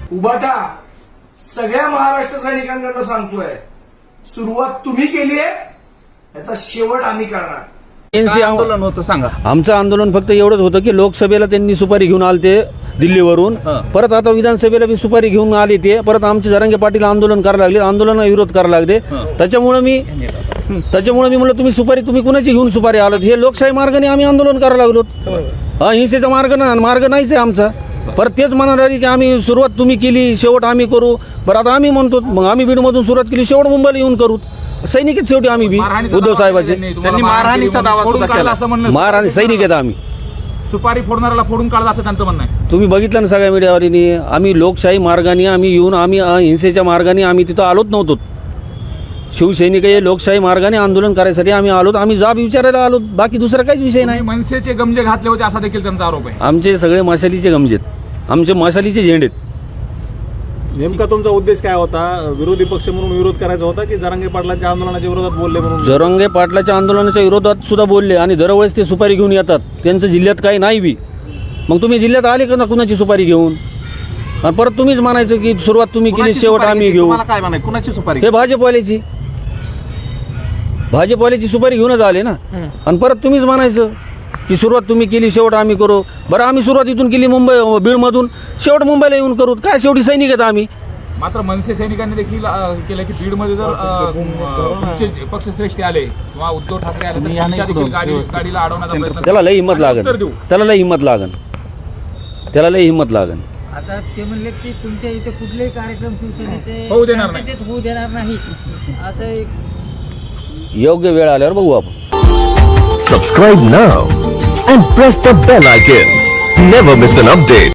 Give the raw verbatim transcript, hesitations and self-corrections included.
उभाटा सगळ्या महाराष्ट्र सैनिकांकडनं सांगतोय, सुरुवात तुम्ही केली आहे, याचा शेवट आम्ही करणार. एनसी आंदोलन होतं सांगा. आमचं आंदोलन फक्त एवढंच होतं की लोकसभेला त्यांनी सुपारी घेऊन आले ते दिल्लीवरून, परत आता विधानसभेला बी सुपारी घेऊन आले ते, परत आमचे जरांगे पाटील आंदोलन करायला लागले, आंदोलनाला विरोध करायला लागले. त्याच्यामुळे मी त्याच्यामुळे मी म्हणलं तुम्ही सुपारी तुम्ही कुणाची घेऊन सुपारी आलात, हे लोकशाही मार्गाने आम्ही आंदोलन करायला लागलो. अहिंसेचा मार्ग ना मार्ग नाहीच आहे आमचा. परत तेच म्हणणार की आम्ही सुरुवात तुम्ही केली, शेवट आम्ही करू. बरं आता आम्ही म्हणतो मग आम्ही बीडमधून सुरुवात केली, शेवट मुंबईला येऊन करू. सैनिक आहेत शेवटी आम्ही बी उद्धव साहेबाचे. त्यांनी मारहाणीचा दावा सुद्धा केला. मारहाणी सैनिक आहेत आम्ही. सुपारी फोडणाऱ्याला फोडून काढला असं त्यांचं म्हणणं आहे. तुम्ही बघितलं ना सगळ्या मीडियावरीने. आम्ही लोकशाही मार्गाने आम्ही येऊन आम्ही अहिंसेच्या मार्गाने आम्ही तिथं आलोच नव्हतो. शिवसैनिक हे लोकशाही मार्गाने आंदोलन करायसाठी आम्ही आलो, आम्ही जाब विचारायला आलो, बाकी दुसरा काहीच विषय नाही. मनसेचे गमजे घातले होते असा देखील त्यांचा आरोप आहे. आमचे सगळे मशालीचे गमजेत, आमचे मशालीचे झेंडेत. नेमका तुमचा उद्देश काय होता? विरोधी पक्ष म्हणून विरोध करायचा होता की जरांगे पाटलांच्या आंदोलनाच्या विरोधात बोलले म्हणून? जरांगे पाटलाच्या आंदोलनाच्या विरोधात सुद्धा बोलले आणि दरवेळेस ते सुपारी घेऊन येतात. त्यांचं जिल्ह्यात काही नाही बी. मग तुम्ही जिल्ह्यात आले का ना कुणाची सुपारी घेऊन? आणि परत तुम्हीच म्हणायचं की सुरुवात तुम्ही केली, शेवट आम्ही घेऊ. काय म्हणाय कुणाची सुपारी? हे भाजपवाल्याची भाजपवाल्याची सुपारी घेऊनच आले ना. आणि परत तुम्हीच म्हणायचं की सुरुवात तुम्ही केली, शेवट आम्ही करू. बरं आम्ही सुरुवात इथून केली मुंबई बीडमधून, शेवट मुंबईला येऊन करू. काय शेवटी सैनिक आहेत आम्ही. मात्र मनसे सैनिकांनी देखील केलं की बीडमध्ये जर पक्षश्रेष्ठी आले किंवा उद्धव ठाकरे आले तर त्यांच्या देखील गाडी गाडीला अडवण्याचा प्रयत्न. त्याला लई हिंमत लागन, त्याला लई हिंमत लागन, त्याला लई हिंमत लागन. आता ते म्हणले की तुमच्या इथे कुठलेही कार्यक्रम शिवसेनेचे होऊ देणार नाही. शांततेत होऊ देणार नाही असं एक योग्य वेळ आल्यावर बघू आपण. Subscribe now and press the bell icon. Never miss an update.